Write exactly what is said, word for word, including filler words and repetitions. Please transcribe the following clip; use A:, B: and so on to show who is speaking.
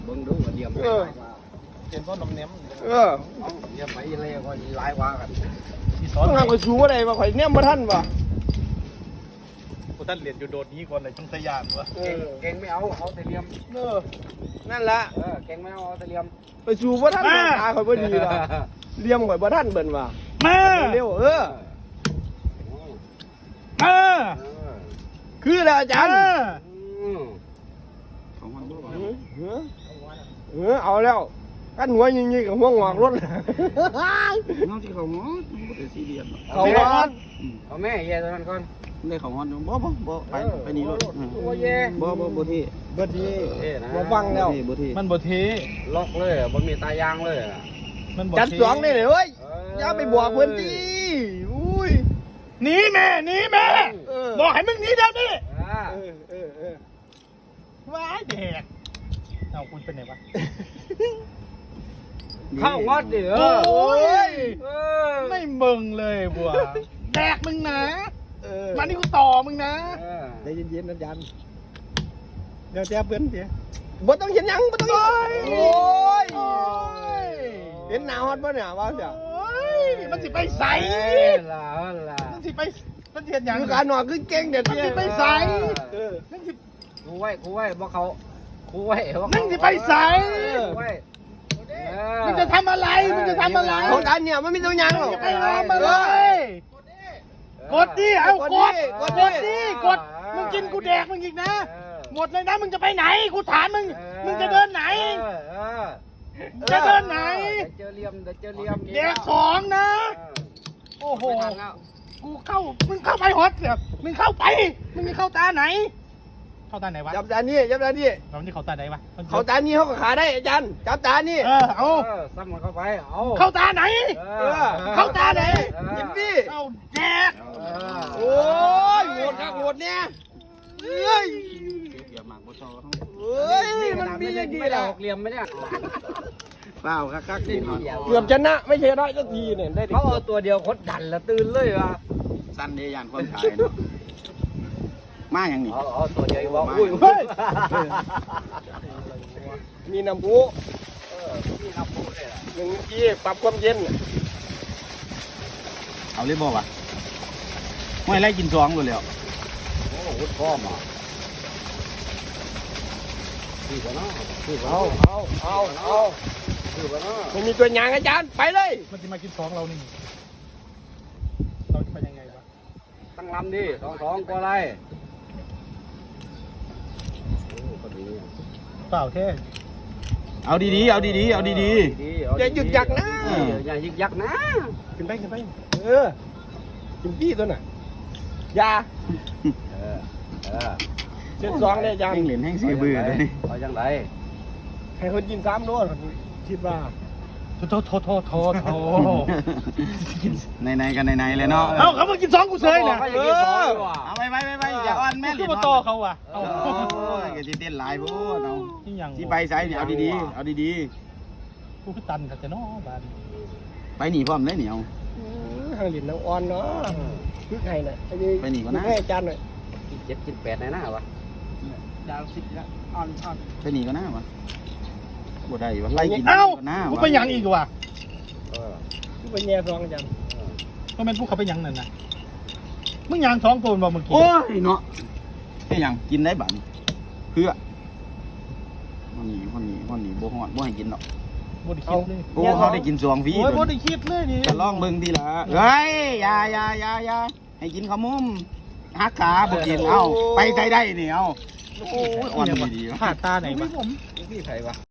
A: เบิ่งดูว่าเดียม
B: เออ
C: เจนก็น้ำเนี้ยม
B: เออ
A: เดียมไปเลยก็หลายว่ากัน
C: ที่ซ้อ
B: ต้
C: น
B: องทำกับชูอะไรมาข่อยเนี่ยมาท่านป่ะ
C: กูท่านเรียนอยู่โดดนี้ก่อนเลยช่องสยามวะ
B: เอ
A: เก่ง
B: อ
A: เก่งไม่เอาเอาแต่เหลี่ยม
B: เออนั่นละ
A: เออเก่งไม่เอาเอาแต่เหลี่ยม
B: ไปชูว่าท่านตาข่อยบ่ดีว่ะเลี้ยมข่อยบ่ท่านเบิ่นว่ะ
C: มา
B: เร็วเออ
C: มา
A: เออ
B: คือแล้วอาจารย์
A: อืม
B: เออเออเอาแล้วกันหัวยิงๆกับหัวงอกรถ
D: น้องที่เขาฮอดบ่ได้ซีเรียส
B: เขาว่า
A: เอาแม่เย่ตัวนั้นก่อน
D: ได้เขาฮอดบ่บ่บ่ไปไปนี่รถ
A: โอ้เย่
D: บ่บ่บ่ที่
B: เบิดดี
A: เย่นะ
B: บ่ฟังแล้ว
D: บ่ที่
C: มันบที
A: ล็อกเลยบ่มีตายางเลย
C: มันบ
B: จัด
C: ที
B: สองนี่เลยเว้ยอย่าไปบอกเพิ่นติอุ้ย
C: หนีแม่หนีแม่
B: เออ
C: บอกให้มึงหนีเดี๋ยวนี้
A: อ่า
B: เออเออเออ
C: ว้ายเด็กเอาคุณเป็นไงวะ
A: เข้างอดดิเอ
C: โอ้
A: อย เออ
C: ไม่มึงเลยบัวแดกมึงนะ
B: เออ
C: มานี่กูต่อมึงนะ
A: เออ
B: ใจเย็นๆนะอาจารย์เดี๋ยวแจ้เพิ่นเดี๋ยวบ่ต้องเห็นหยังบ่ต้องเห็นโอ้ย
C: โอ้ย
B: เห็นหน้าฮอดบ่เนี่ยว่าจ้ะ
C: โอ้ยมันสิไปใส
A: เอ้ยล่ะเอาล่ะ
C: มันสิไปมันสิเห็นอย่าง
B: คือการนอนคือเก่งเด็ด
C: มัน
B: เนี่ย
C: สิไปใส
B: เออ
C: มันสิ
A: ครูไว้ครูไว้บ่เขาครูไว้บ่
C: มึงสิไปใส
A: ครูไว้เออ
C: มึงจะทำอะไรมึงจะทำอะไร
B: ของการเนี่ยมันไม่ต้องหยังหรอก
C: จะไปทำอะไรกดดิเอากดกดดิกดมึงกินกูแดกมึงอีกนะ
A: เออ
C: หมดเลยนะมึงจะไปไหนกูถามมึงมึงจะเดินไหน
A: เออเออ
C: จะเดินไหน
A: เดี๋ยวเจอเหลี่ยมเดี๋ยวเจอเหลี่ยม
C: แดกของนะ
A: เออ
C: โอ้โห
A: ไม่ทันแล้ว
C: กูเข้ามึงเข้าไปฮอตเสียมึงเข้าไปมึงจะเข้าตาไหน เข้าตาไหนวะ
B: จับตานี่จับตานี่
C: เรานี่เข้าตาไหนวะ
B: เขาตานี่เขาก็ขาได้อาจารย์จับตานี่
C: เออเอา
A: เออซ้ำมันเข้าไปเอา
C: เข้าตาไหน
A: เอ
B: เอ
A: อ
B: อ
C: เข้าตาไหน
B: กินพี่
C: เข้าแดก
A: เออ
B: โอ้ยโหดครับโหดเนี่ยเอ้ย
D: เสียหมากบ่ซอเฮา
B: เอ้ยมันมีอย่างดี
A: ไม่ได้
B: ละ
A: หกเหลี่ยมไหมเนี่ย
D: เปล่าคักๆนี่ฮอด
B: เกือบชนะไม่ใช่ได้สักทีเนี่ยได้ดิ
A: เขาเอาตัวเดียวคดดันแล้วตื่นเลยว่ะ
D: สั้นเด้ย่านความขายเนาะมาหยังนี่
A: เอาเอาตัวเดียวบอกอุ้ย
C: เฮ้ย
B: มีน้ำพุ
A: เออพี่นับพูดเลยล่ะ
B: หนึ่งทีปรับความเย็น
D: เอาเลยบ่วะห้วยไล่กินซองเลยแล้ว
A: โอ้โหพร้อมอ่ะพี่กันเนาะพี่กัน
B: เอา
A: เนาะ
B: เอาเอาเอา
A: พี่กันเนาะ
B: ไม่มีตัวอย่างอาจารย์ไปเลย
C: มันจะมากินของเรานี่เราจะไปยังไงวะ
A: ตั้งลำดิสองสองก็ไรโอ้ก็ดี
C: เปล่าแค่
D: เอาดีๆเอาดีๆเอาดี
A: ดี
B: อย่าหยุดยักนะ
A: เอออย่าหยุดยักนะ
B: ขึ้นไปขึ้นไปเออกินพี่ตัวน่ะยา
A: เออเออ
B: เส้นสองเนี่ยอา
D: ๆ
B: จารย์
D: แห้งเหรียญแห้งสีเบื่อเลย
A: เอาจังไร
B: ให้คนกินสามโดสคิดว่า
C: โทษโทษโทษโทษโทษ
D: ในๆกันในๆเลยเนาะ
C: เอาเขามากินสองกูเฉยนะ
A: เขาอยากกินสองดีกว่า
D: เอาไปไปไปไปอย่าอ่อนแม่เหรี
C: คื
D: ย
C: อ
D: ญ
C: มาต่อเขาอ่ะเอา
D: โอ้ยก็สิเต้นหลายโพดเอา
C: ที่ยัง
D: สิไปไสนี่เอาดีๆเอาดี
C: กูคือตันกับแต่น้อบ้าน
D: ๆไปหนีพร้อมเลยเหนียว
B: ทางหลินนางอ่อนเนาะคือไงน่ะไอ้นี่
D: ไปหนีก่อนนะ
B: ให้อาจารย์หน่อย
A: กินเจ็ดกินแปดในหน้าวะ
B: ดาวสิบละอ่อนอ่อน
D: ไปหนีก็น่าวะบ่ได้วะไล่กิน
C: เอ้า
D: ก็น่า
C: กู
D: วะ
C: ไปยังอีกว่ะ
A: เออ
B: คือไปแย่ซองอาจารย์
C: ก็เป็นพวกเขาไปยังนั่นนะมึงยังสองตัวบ่เมื่อกี้
D: โอ้ยเนาะแค่หยังกินได้บัดเพื่อวันนี้วันนี้วันนี้บ่ฮอดบ่ให้กินดอก
C: บ่ได้คิดเลย
D: โอ้เขาได้กินสวงฟรี
C: โอ้ยบ่ได้คิดเลยนี่
D: จะลองเบิ่งทีละเฮ้ยอย่าอย่าอย่าอย่าให้กินข้าวมุมหักขาบ่กินเอ้าไปใส่ได้นี่เอ้าโอ้ยอ่อนดีๆวะ
C: ขาดตาไหนวะ
A: พี่ไผวะ